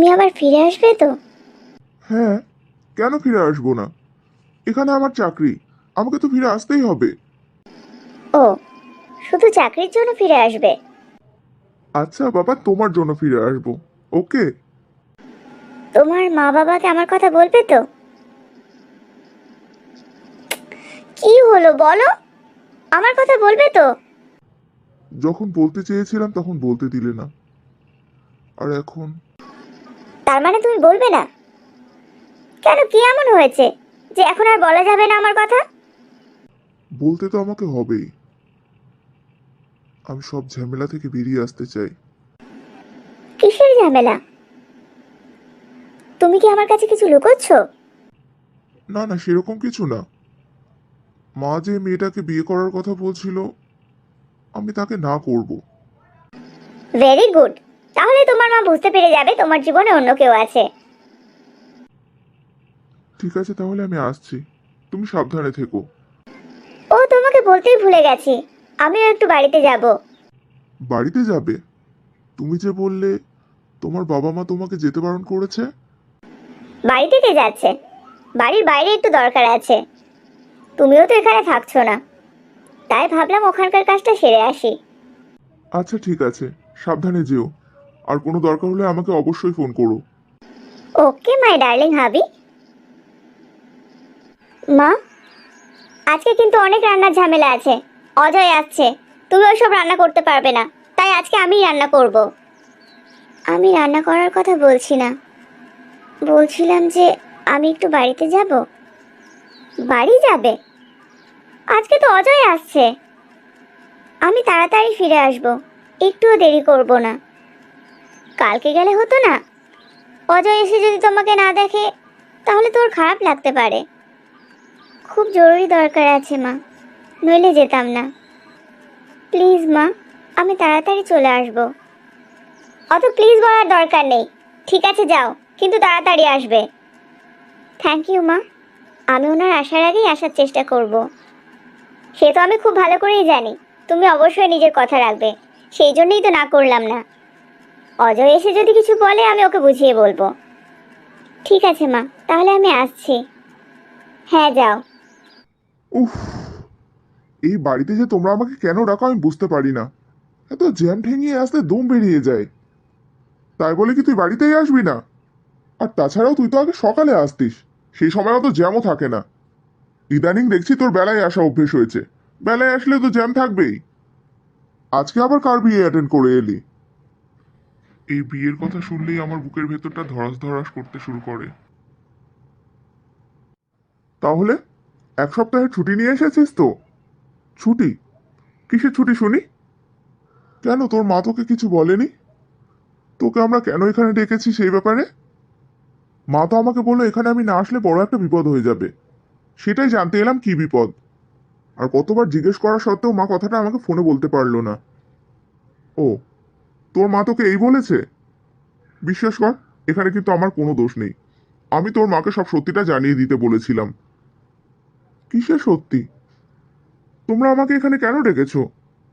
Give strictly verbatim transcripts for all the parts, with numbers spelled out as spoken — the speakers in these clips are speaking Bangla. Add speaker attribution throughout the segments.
Speaker 1: তুমি আবার ফিরে আসবে তো?
Speaker 2: হ্যাঁ, কেন ফিরে আসবো না? এখানে আমার চাকরি, আমাকে তো ফিরে আসতেই হবে।
Speaker 1: ও, শুধু চাকরির জন্য ফিরে আসবে?
Speaker 2: আচ্ছা বাবা, তোমার জন্য ফিরে আসবো। ওকে।
Speaker 1: তোমার মা বাবাকে আমার কথা বলবে তো? কি হলো বলো, আমার কথা বলবে তো?
Speaker 2: যখন বলতে চেয়েছিলাম তখন বলতে দিলে না, আর এখন?
Speaker 1: তার মানে তুমি বলবে না? কেন, কি এমন হয়েছে যে এখন আর বলা যাবে না আমার কথা?
Speaker 2: বলতে তো আমাকে হবেই। আমি সব ঝামেলা থেকে বেরিয়ে আসতে চাই।
Speaker 1: কিসের ঝামেলা? তুমি কি আমার কাছে কিছু লুকোচ্ছ?
Speaker 2: না না, সেরকম কিছু না। মা যে মেয়েটাকে বিয়ে করার কথা বলছিল, আমি তাকে না করব।
Speaker 1: Very good. তাহলে তোমার মা বুঝতে পেরে যাবে তোমার জীবনে অন্য কেউ আছে।
Speaker 2: ঠিক আছে, তাহলে আমি আসছি। তুমি সাবধানে থেকো।
Speaker 1: ও, তোমাকে বলতেই ভুলে গেছি, আমিও একটু বাড়িতে যাব।
Speaker 2: বাড়িতে যাবে? তুমি যে বললে তোমার বাবা মা তোমাকে যেতে বারণ করেছে।
Speaker 1: বাড়িতে কে যাচ্ছে? বাড়ির বাইরে একটু দরকার আছে। তুমিও তো এখানে থাকছো না, তাই ভাবলাম ওখানকার কাজটা সেরে আসি।
Speaker 2: আচ্ছা ঠিক আছে, সাবধানে যেও। আর কোনো দরকার হলে আমাকে অবশ্যই ফোন করো।
Speaker 1: ওকে মাই ডার্লিং হাবি। মা, আজকে কিন্তু অনেক রান্নার ঝামেলা আছে। অজয় আসছে, তুমি ওইসব রান্না করতে পারবে না, তাই আজকে আমিই রান্না করব। আমি রান্না করার কথা বলছি না, বলছিলাম যে আমি একটু বাড়িতে যাব। বাড়ি যাবে? আজকে তো অজয় আসছে, আমি তাড়াতাড়ি ফিরে আসব, একটুও দেরি করব না। কালকে গেলে হতো না? অজয় এসে যদি তোমাকে না দেখে তাহলে তোর খারাপ লাগতে পারে। খুব জরুরি দরকার আছে মা, নইলে যেতাম না। প্লিজ মা, আমি তাড়াতাড়ি চলে আসব। অত প্লিজ বলার দরকার নেই। ঠিক আছে যাও, কিন্তু তাড়াতাড়ি আসবে। থ্যাংক ইউ মা, আমি ওনার আসার আগেই আসার চেষ্টা করব। সে তো আমি খুব ভালো করেই জানি তুমি অবশ্যই নিজের কথা রাখবে, সেই জন্যই তো না করলাম না। অজয় এসে যদি কিছু বলে আমি ওকে বুঝিয়ে বলবো। ঠিক আছে মা, তাহলে আমি আসছি। হ্যাঁ যাও।
Speaker 2: উফ, এই বাড়িতে যে তোমরা আমাকে কেন ডাকো আমি বুঝতে পারি না। এত জ্যাম ঠেঙিয়ে আসতে দম বেরিয়ে যায়। তাই বলে কি তুই বাড়িতেই আসবি না? আর তাছাড়াও তুই তো আগে সকালে আসতিস, সেই সময় অত জ্যামও থাকে না। ইদানিং দেখছি তোর বেলায় আসা অভ্যেস হয়েছে। বেলায় আসলে তো জ্যাম থাকবেই। আজকে আবার কার বিয়ে অ্যাটেন্ড করে এলি? এই বিয়ের কথা শুনলেই আমার বুকের ভেতরটা ধড়াস ধড়াস করতে শুরু করে। তাহলে এক সপ্তাহের ছুটি নিয়ে এসেছিস তো? ছুটি? কিসের ছুটি শুনি? কেন, তোর মা তোকে কিছু বলেনি? তোকে আমরা কেন এখানে ডেকেছি সেই ব্যাপারে? মা তো আমাকে বললো এখানে আমি না আসলে বড় একটা বিপদ হয়ে যাবে। সেটাই জানতে এলাম কি বিপদ। আর কতবার জিজ্ঞেস করা সত্ত্বেও মা কথাটা আমাকে ফোনে বলতে পারলো না। ও, তোর মা তোকে এই বলেছে? বিশ্বাস কর, এখানে কিন্তু আমার কোনো দোষ নেই। আমি তোর মাকে সব সত্যিটা জানিয়ে দিতে বলেছিলাম। কিসের সত্যি? তোমরা আমাকে এখানে কেন ডেকেছো?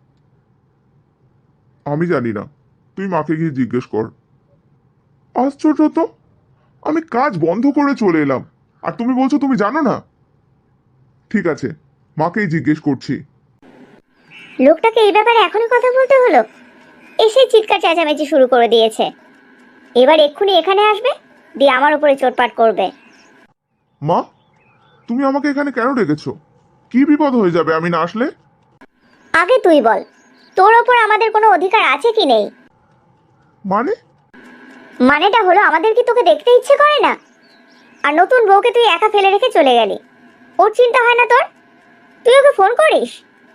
Speaker 2: আমি জানি না, তুই মাকে গিয়ে জিজ্ঞেস কর। আশ্চর্য তো, আমি কাজ বন্ধ করে চলে এলাম, আর তুমি বলছো তুমি জানো না? ঠিক আছে, মাকেই জিজ্ঞেস করছি।
Speaker 1: লোকটাকে এই ব্যাপারে এখনই কথা বলতে হলো? এসে চিৎকার চেঁচামেচি শুরু করে দিয়েছে। এবার এক্ষুনি এখানে আসবে, দিয়ে আমার উপরে চোটপাট করবে।
Speaker 2: মা, তুমি আমাকে এখানে কেন ডেকেছো? কি বিপদ হয়ে যাবে আমি না আসলে?
Speaker 1: আগে তুই বল, তোর ওপর আমাদের কোনো অধিকার আছে কি নেই?
Speaker 2: মানে?
Speaker 1: মানেটা হলো আমাদের কি তোকে দেখতে ইচ্ছে করে না? আর নতুন বউকে তুই একা ফেলে রেখে চলে গেলি, ওর চিন্তা হয় না তোর? তুই ওকে ফোন করিস?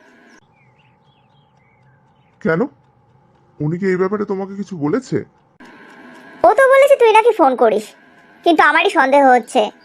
Speaker 2: কেন, উনি কি এই ব্যাপারে তোমাকে কিছু বলেছে?
Speaker 1: ও তো বলেছে তুই নাকি ফোন করিস, কিন্তু আমারই সন্দেহ হচ্ছে।